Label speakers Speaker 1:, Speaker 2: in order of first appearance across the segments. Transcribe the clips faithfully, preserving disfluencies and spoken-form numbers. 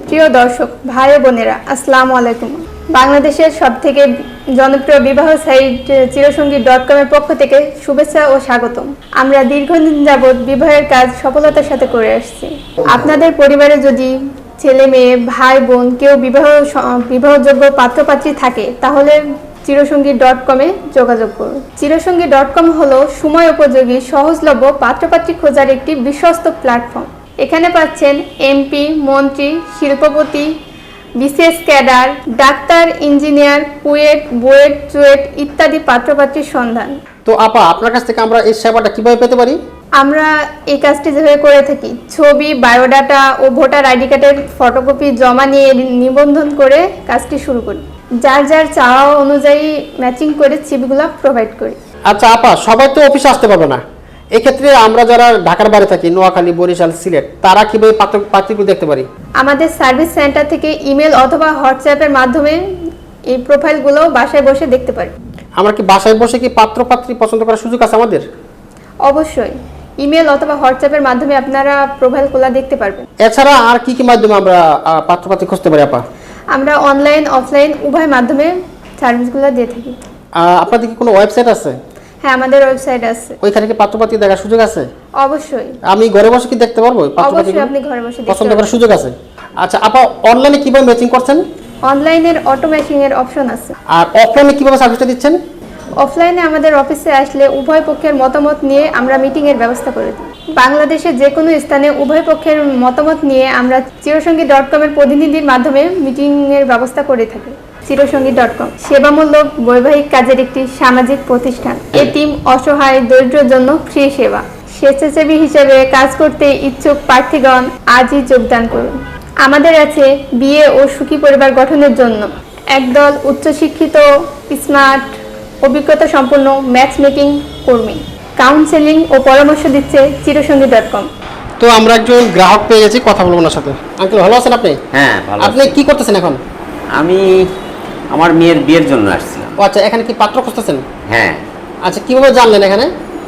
Speaker 1: প্রিয় দর্শক ভাই ও বোনেরা, আসসালামু আলাইকুম। বাংলাদেশের সবথেকে জনপ্রিয় বিবাহ সাইট চিরসঙ্গী ডট কম এর পক্ষ থেকে শুভেচ্ছা ও স্বাগতম। আমরা দীর্ঘদিন যাবৎ বিবাহের কাজ সফলতার সাথে করে আসছি। আপনাদের পরিবারে যদি ছেলে মেয়ে ভাই বোন কেউ বিবাহ বিবাহযোগ্য পাত্রপাত্রী থাকে তাহলে চিরসঙ্গী ডট কমে যোগাযোগ করুন। চিরসঙ্গী ডট কম হলো সময় উপযোগী সহজলভ্য পাত্রপাত্রী খোঁজার একটি বিশ্বস্ত প্ল্যাটফর্ম। এখানে পাচ্ছেন এমপি, মন্ত্রী, শিল্পপতি, বিসিএস ক্যাডার, ডাক্তার, ইঞ্জিনিয়ার, কুয়েট, বুয়েট, চুয়েট ইত্যাদি পাত্রপাত্রীর সন্ধান।
Speaker 2: তো আপা, আপনার কাছ থেকে আমরা এই সেবাটা কিভাবে পেতে পারি?
Speaker 1: আমরা এই কাজটি যেভাবে করে থাকি, ছবি, বায়োডাটা ও ভোটার আইডি কার্ডের ফটোকপি জমা নিয়ে নিবন্ধন করে কাজটি শুরু করি। যার যার চাওয়া অনুযায়ী ম্যাচিং করে সিভিগুলো প্রোভাইড করি।
Speaker 2: আচ্ছা আপা, সবাই তো অফিসে আসতে পারবে না, এক্ষেত্রে আমরা যারা ঢাকার বাইরে থাকি, নোয়াখালী, বরিশাল, সিলেট, তারা কিভাবে পাত্রগুলো দেখতে পারি?
Speaker 1: আমাদের সার্ভিস সেন্টার থেকে ইমেল অথবা হোয়াটসঅ্যাপের মাধ্যমে এই প্রোফাইলগুলো বাসায় বসে দেখতে পারি।
Speaker 2: আমরা কি বাসায় বসে কি পাত্র পাত্রী পছন্দ করার সুযোগ আছে আমাদের?
Speaker 1: অবশ্যই, ইমেল অথবা হোয়াটসঅ্যাপের মাধ্যমে আপনারা প্রোফাইলগুলো দেখতে পারবেন।
Speaker 2: এছাড়া আর কি কি মাধ্যমে আমরা পাত্র পাত্রী খুঁজতে পারি আপা?
Speaker 1: আমরা অনলাইন অফলাইন উভয় মাধ্যমে সার্ভিসগুলো দিয়ে থাকি।
Speaker 2: আপনাদের কি কোনো ওয়েবসাইট আছে?
Speaker 1: হ্যাঁ, আমাদের ওয়েবসাইট আছে।
Speaker 2: ওইখানে কি পাত্রপাত্রী দেখার সুযোগ আছে?
Speaker 1: অবশ্যই।
Speaker 2: আমি ঘরে বসে কি দেখতে পারবো?
Speaker 1: অবশ্যই, আপনি ঘরে বসে
Speaker 2: পছন্দ করার সুযোগ আছে। আচ্ছা আপা, অনলাইনে কিভাবে ম্যাচিং করছেন?
Speaker 1: অনলাইনের অটো ম্যাচিং এর অপশন আছে।
Speaker 2: আর অফলাইনে কিভাবে সার্ভিসটা দিচ্ছেন?
Speaker 1: অফলাইনে আমাদের অফিসে আসলে উভয় পক্ষের মতামত নিয়ে আমরা মিটিং এর ব্যবস্থা করে দিই। বাংলাদেশের যে কোনো স্থানে উভয় পক্ষের মতামত নিয়ে আমরা চিরসঙ্গী ডট কম এর প্রতিনিধির মাধ্যমে মিটিং এর ব্যবস্থা করে থাকি। চিরসঙ্গী ডট কম সেবামূলক বৈবাহিক কাজের একটি সামাজিক প্রতিষ্ঠান। এতিম, অসহায়, দরিদ্রের জন্য ফ্রি সেবা। স্বেচ্ছাসেবী হিসেবে কাজ করতে ইচ্ছুক প্রার্থীগণ আজই যোগদান করুন। আমাদের আছে বিয়ে ও সুখী পরিবার গঠনের জন্য একদল উচ্চশিক্ষিত, স্মার্ট, অভিজ্ঞতা সম্পন্ন ম্যাচ মেকিং কর্মী। কাউন্সেলিং ও পরামর্শ দিচ্ছে চিরসঙ্গী ডট কম।
Speaker 2: তো আমরা একজন গ্রাহক পেয়ে গেছি, কথা বলবো ওনার সাথে। আঙ্কেল, ভালো আছেন আপনি?
Speaker 3: হ্যাঁ, ভালো।
Speaker 2: আপনি কি করতেছেন এখন?
Speaker 3: আমি আমার মেয়ের বিয়ের জন্য আসছিলাম।
Speaker 2: ও আচ্ছা, এখানে কি পাত্র খুঁজতেছেন?
Speaker 3: হ্যাঁ।
Speaker 2: আচ্ছা, কিভাবে জানলেন এখানে?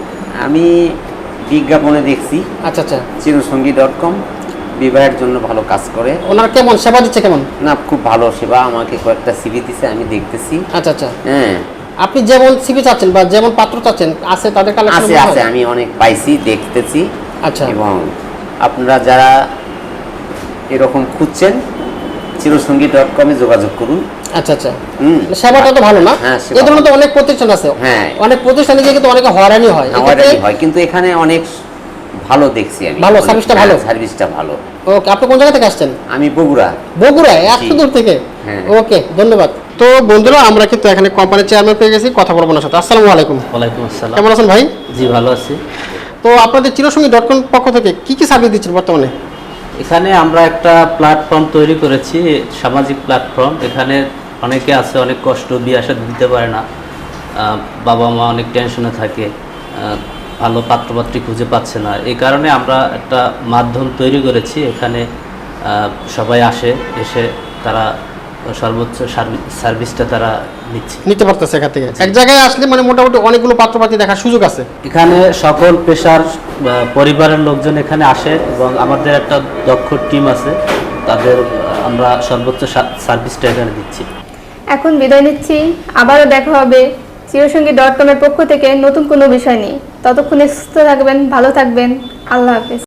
Speaker 3: আমি বিজ্ঞাপনে দেখছি।
Speaker 2: আচ্ছা আচ্ছা।
Speaker 3: চিরসঙ্গী ডট কম বিবাহের জন্য ভালো কাজ করে।
Speaker 2: ওনার কেমন সেবা দিচ্ছে? কেমন?
Speaker 3: না, খুব ভালো সেবা। আমাকে কয়েকটা সিভি দিছে, আমি দেখতেছি।
Speaker 2: আচ্ছা আচ্ছা।
Speaker 3: হ্যাঁ।
Speaker 2: আপনি যেমন সিভি চাচ্ছেন বা যেমন পাত্র চাচ্ছেন আছে তাদের কালেকশন
Speaker 3: আছে আছে আমি অনেক পাইছি, দেখতেছি।
Speaker 2: আচ্ছা।
Speaker 3: এবং আপনারা যারা এরকম খুঁজছেন চিরসঙ্গী ডট কমে যোগাযোগ করুন।
Speaker 2: আচ্ছা আচ্ছা।
Speaker 3: হুম।
Speaker 2: সেবাটা তো ভালো না?
Speaker 3: হ্যাঁ,
Speaker 2: এই ধরনের তো অনেক প্রতিষ্ঠান আছে।
Speaker 3: হ্যাঁ।
Speaker 2: অনেক প্রতিষ্ঠানে গিয়ে কিন্তু অনেকে হয়রানি হয়।
Speaker 3: হয়রানি হয়, কিন্তু এখানে অনেক ভালো দেখছি আমি।
Speaker 2: ভালো, সার্ভিসটা ভালো।
Speaker 3: সার্ভিসটা ভালো।
Speaker 2: ওকে, আপনি কোন জায়গা থেকে আসছেন?
Speaker 3: আমি বগুড়া।
Speaker 2: বগুড়া? এত দূর থেকে?
Speaker 3: হ্যাঁ।
Speaker 2: ওকে, ধন্যবাদ। তো বন্ধুরা, আমরা কিন্তু এখানে কোম্পানির চেয়ারম্যান পেয়ে গেছি, কথা বলবো ওনার সাথে। আসসালামু আলাইকুম।
Speaker 4: ওয়ালাইকুম আসসালাম।
Speaker 2: কেমন আছেন ভাই?
Speaker 4: জি, ভালো আছি।
Speaker 2: তো আপনাদের চিরসঙ্গী ডট কম পক্ষ থেকে কি কি সার্ভিস দিচ্ছেন বর্তমানে?
Speaker 4: এখানে আমরা একটা প্ল্যাটফর্ম তৈরি করেছি, সামাজিক প্ল্যাটফর্ম। এখানে অনেকে আছে, অনেক কষ্ট, বিয়ে শাদী দিতে পারে না, বাবা মা অনেক টেনশনে থাকে, ভালো পাত্রপাত্রী খুঁজে পাচ্ছে না। এই কারণে আমরা একটা মাধ্যম তৈরি করেছি। এখানে সবাই আসে, এসে তারা সর্বোচ্চ সার্ভিসটা তারা নিচ্ছে,
Speaker 2: নিতে পারতেছে এখান থেকে। এক জায়গায় আসলে মানে মোটামুটি অনেকগুলো পাত্রপাত্রী দেখার সুযোগ আছে।
Speaker 4: এখানে সকল পেশার পরিবারের লোকজন এখানে আসে এবং আমাদের একটা দক্ষ টিম আছে, তাদের আমরা সর্বোচ্চ সার্ভিসটা এখানে দিচ্ছি।
Speaker 1: এখন বিদায় নিচ্ছি, আবারও দেখা হবে চিরসঙ্গী ডট কম এর পক্ষ থেকে নতুন কোনো বিষয় নিয়ে। ততক্ষণে সুস্থ থাকবেন, ভালো থাকবেন। আল্লাহ হাফেজ।